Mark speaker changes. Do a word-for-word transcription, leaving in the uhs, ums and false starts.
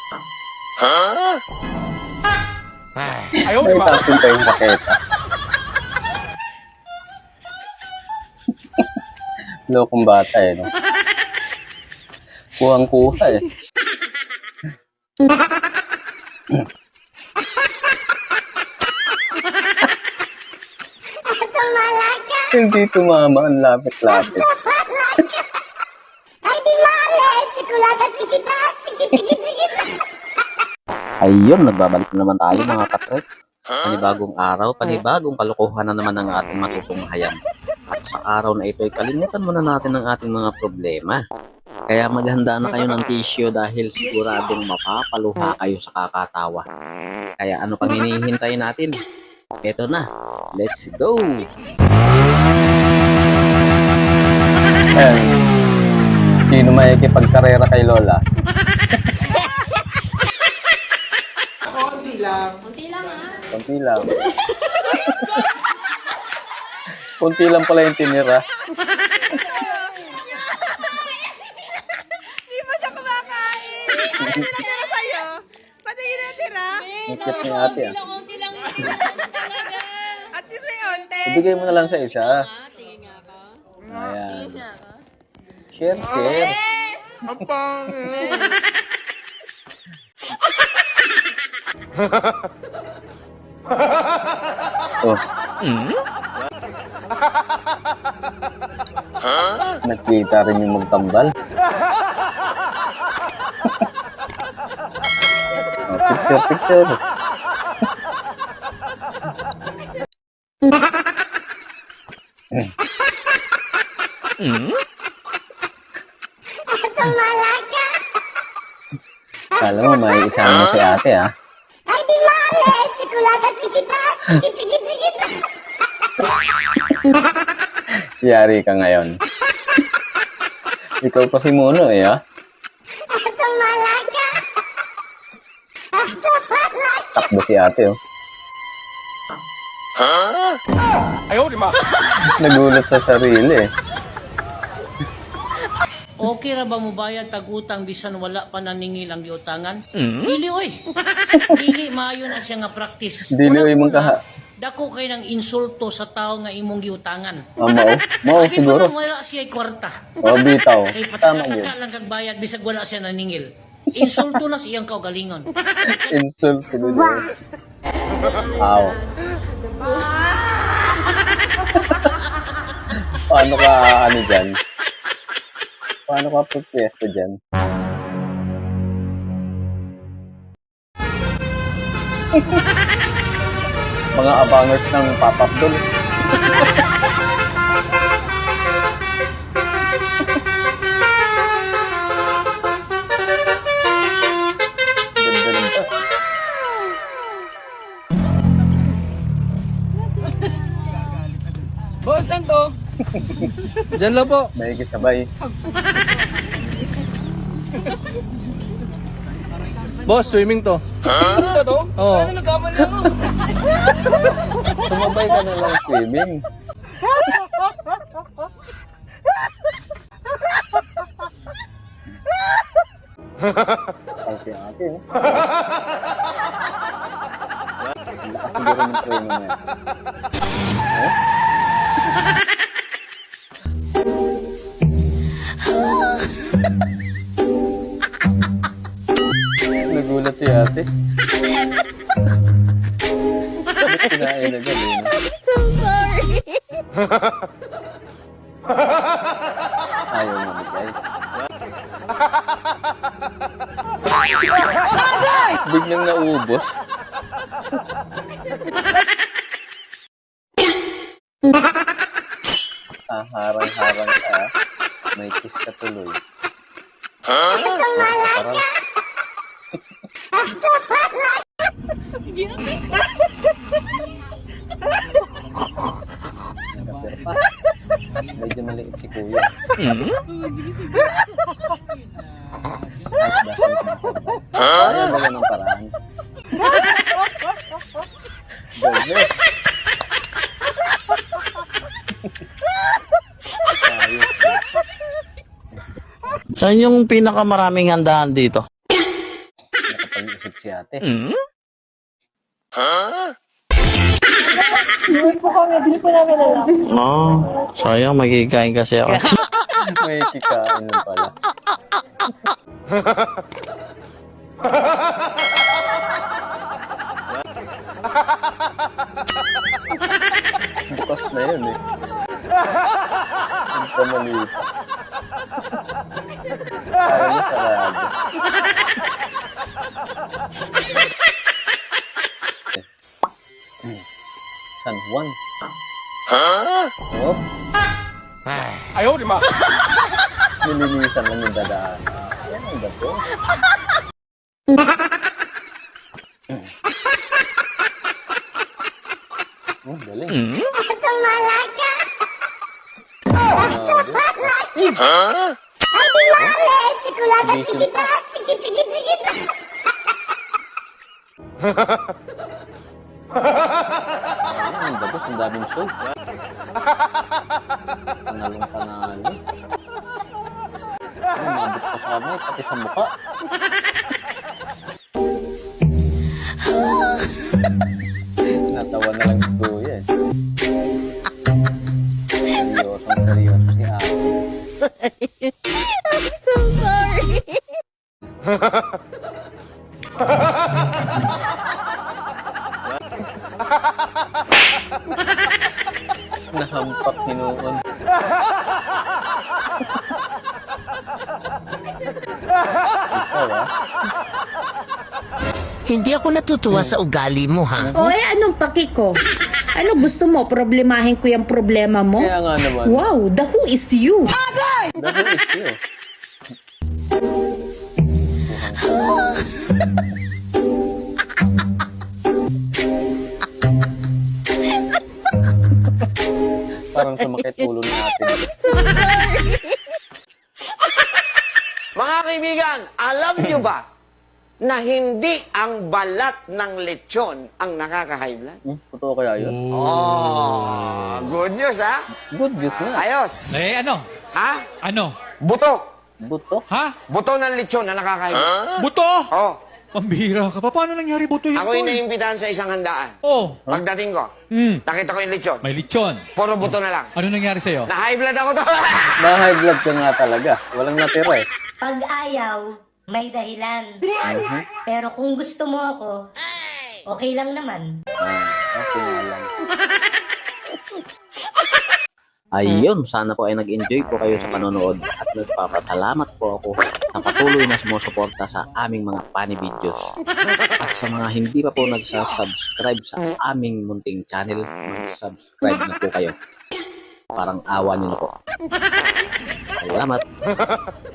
Speaker 1: Ayaw, di ba?
Speaker 2: Tapin pa yung raketa. Lokong bata eh, no? Kuhang-kuha eh. Hindi tumama, ang lapit-lapit. Ayun, nagbabalik na naman tayo mga katreks. Panibagong araw, panibagong kalokohan na naman ang ating matutunghayan. At sa araw na ito ay kalimutan muna natin ang ating mga problema. Kaya maghanda na kayo ng tissue dahil siguradong mapapaluha kayo sa kakatawa. Kaya ano pang hinihintay natin? Eto na, let's go! Ayan. Sino may ikipagkarera kay Lola?
Speaker 1: Konti lang.
Speaker 3: Kunti lang ha.
Speaker 2: Kunti lang. Kunti lang pala yung tinira.
Speaker 4: Di ba siya kumakain? Ano tinatira sa'yo? Pati ginatira?
Speaker 2: Nikit ni ate ah.
Speaker 3: Kunti lang, kunti lang talaga.
Speaker 4: At least may onte.
Speaker 2: Ibigay mo na lang sa isa.
Speaker 3: Ah, tingin nga ba?
Speaker 2: Ayan. Share, share.
Speaker 1: Ang pangit.
Speaker 2: Oh. Nakita rin yung magtambal. Oh, picture, picture. Kala mo may isama si ate ah. Yari ka ngayon. Ikaw pa si Mono eh ah. Takbo si ate oh.
Speaker 1: Ayaw, di ba?
Speaker 2: Nagulat sa sarili eh.
Speaker 5: Okay ra ba mo bayad tag-utang bisan wala pa naningil ang giutangan? Dili oy. Dili maayo na siya nga practice.
Speaker 2: Dili oy mong kaha.
Speaker 5: Dako kay nang insulto sa tao nga imong giutangan.
Speaker 2: Ah, mao. Mao
Speaker 5: Di
Speaker 2: siguro.
Speaker 5: pa wala siya kwarta.
Speaker 2: Oh, bitaw.
Speaker 5: Kay
Speaker 2: Tama yun.
Speaker 5: patataka lang kag bayad bisag wala siya naningil. Insulto na siyang kaugalingon.
Speaker 2: Insult ko din. Aw. Paano ka ano dyan? Paano ka pagpwesto dyan? Mga abangers ng pop-up doon. Ganda ng bus.
Speaker 1: Boss, saan to? Diyan lang po.
Speaker 2: May kisabay.
Speaker 1: Boss, swimming to. Swimming ba to? Oo. Ano nagkamali ako?
Speaker 2: Sumabay ka na lang swimming. Ang si ate, oh. Ang lakas siguro ng training niya. Oh? Nagulat si ate. Bakit kinain na galing?
Speaker 4: So sorry.
Speaker 2: Ayaw mamigay. Biglang naubos. Ah, harang-harang ka. ah. May kiss ka tuloy. Ah, sa parang. Nakapir pa. Medyo maliit si kuya. Ayaw ba ng paraan? Goodness. Ayos.
Speaker 6: Saan yung pinakamaraming handaan dito?
Speaker 2: isip si ate.
Speaker 4: Hindi po kami, hindi po namin alam.
Speaker 1: Oh, sayang magiging kasi ako.
Speaker 2: May kikain nun pala. Bukas na yun eh. Hindi ka maliit. Ayaw mo sarado. San Juan. Oh,
Speaker 1: Ayaw, di ma.
Speaker 2: nililisan lang yung dadaan. Yan ang gato. Oh, galing. Grabe. Exhibition. Ayun, ang bagos, ang daming shows. Panalong panalo. Ay, mabot pa sa kamay, pati sa mukha. Natawa na lang si Kuya eh. Seryosong seryoso si Ate.
Speaker 4: So sorry.
Speaker 2: Nahampak ni noon. Ikaw ah.
Speaker 6: Hindi ako natutuwa sa ugali mo, ha?
Speaker 7: O eh, anong paki ko? Ano gusto mo? Problemahin ko yung problema mo?
Speaker 2: Kaya nga naman.
Speaker 7: Wow, the who is you?
Speaker 2: The who is you? Parang sumakit ulo ni ate.
Speaker 6: Mga kaibigan, alam nyo ba na hindi ang balat ng lechon ang nakaka-high blood?
Speaker 2: Hmm, totoo kaya yun?
Speaker 6: Oh, good news, ha?
Speaker 2: Good news nga.
Speaker 6: Ayos.
Speaker 8: Eh, ano?
Speaker 6: Ha?
Speaker 8: Ano?
Speaker 6: Buto.
Speaker 2: Buto?
Speaker 8: Ha?
Speaker 6: Buto ng lechon na nakaka-high blood.
Speaker 8: Buto?
Speaker 6: Oh,
Speaker 8: Pambihira ka pa. Paano nangyari buto yun?
Speaker 6: ako
Speaker 8: tol?
Speaker 6: yung naimbitahan sa isang handaan.
Speaker 8: Oh.
Speaker 6: Pagdating ko,
Speaker 8: Hmm.
Speaker 6: nakita ko yung lechon.
Speaker 8: May lechon.
Speaker 6: Puro buto na lang.
Speaker 8: Ano nangyari sa'yo?
Speaker 6: Na-high blood ako to.
Speaker 2: Na-high blood ka nga talaga. Walang natira eh.
Speaker 9: Pag ayaw, may dahilan. Pero kung gusto mo ako, okay lang naman.
Speaker 2: Ah, okay nga lang. Ayun, sana po ay nag-enjoy po kayo sa panonood at nagpapasalamat po ako sa patuloy na sumusuporta sa aming mga funny videos. At sa mga hindi pa po nagsasubscribe sa aming munting channel, mag-subscribe na po kayo. Parang awa niyo na po. Salamat!